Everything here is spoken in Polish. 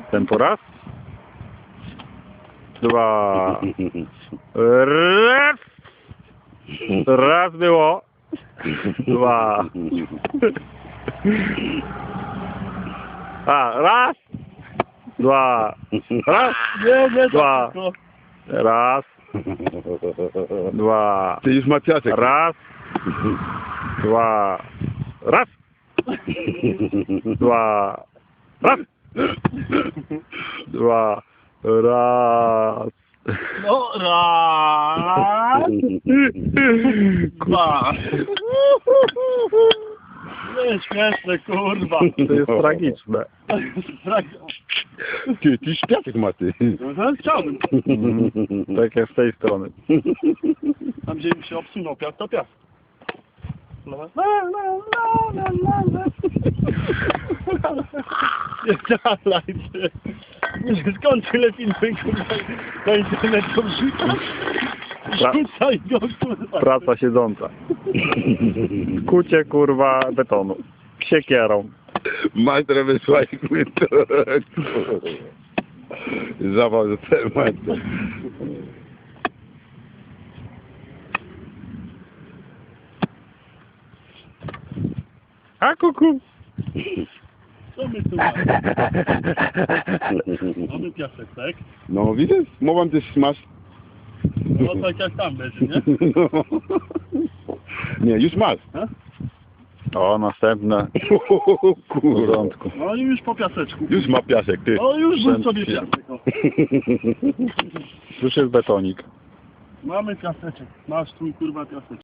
Tempo raz. Dwa. Raz. Raz było. Dwa. A, raz. Dwa. Raz. Nie, Dwa. tylko. Raz. Dwa. Ty już ma piasek. Raz. Dwa. Raz. Dwa. Raz. Dwa. Raz. No, raz. Dwa. Nie, śmieszne, kurwa. To jest tragiczne. Ty już piasek ma, ty. No, chciałbym. Tak jak z tej strony. Tam, gdzie mi się obsunął piast, to piast. No. Nie dalej, ty. Skąd tyle filmy, kurwa, do internetu wrzucasz? Rzucaj go, kurwa. Praca siedząca. Kucie kurwa betonu. Siekierą. Majster wysłaj to. Zawał za ten majster. A kuku. Co my tu mamy? Mamy piasek, tak? No widzisz? Mówię, ty smasz. No tak jak tam będzie, nie? Nie, już masz. O, następne. W Kurwa. porządku. No i już po piaseczku. Już ma piasek, ty. O, już był sobie piasek. O. Już jest betonik. Mamy piaseczek. Masz twój kurwa piaseczek.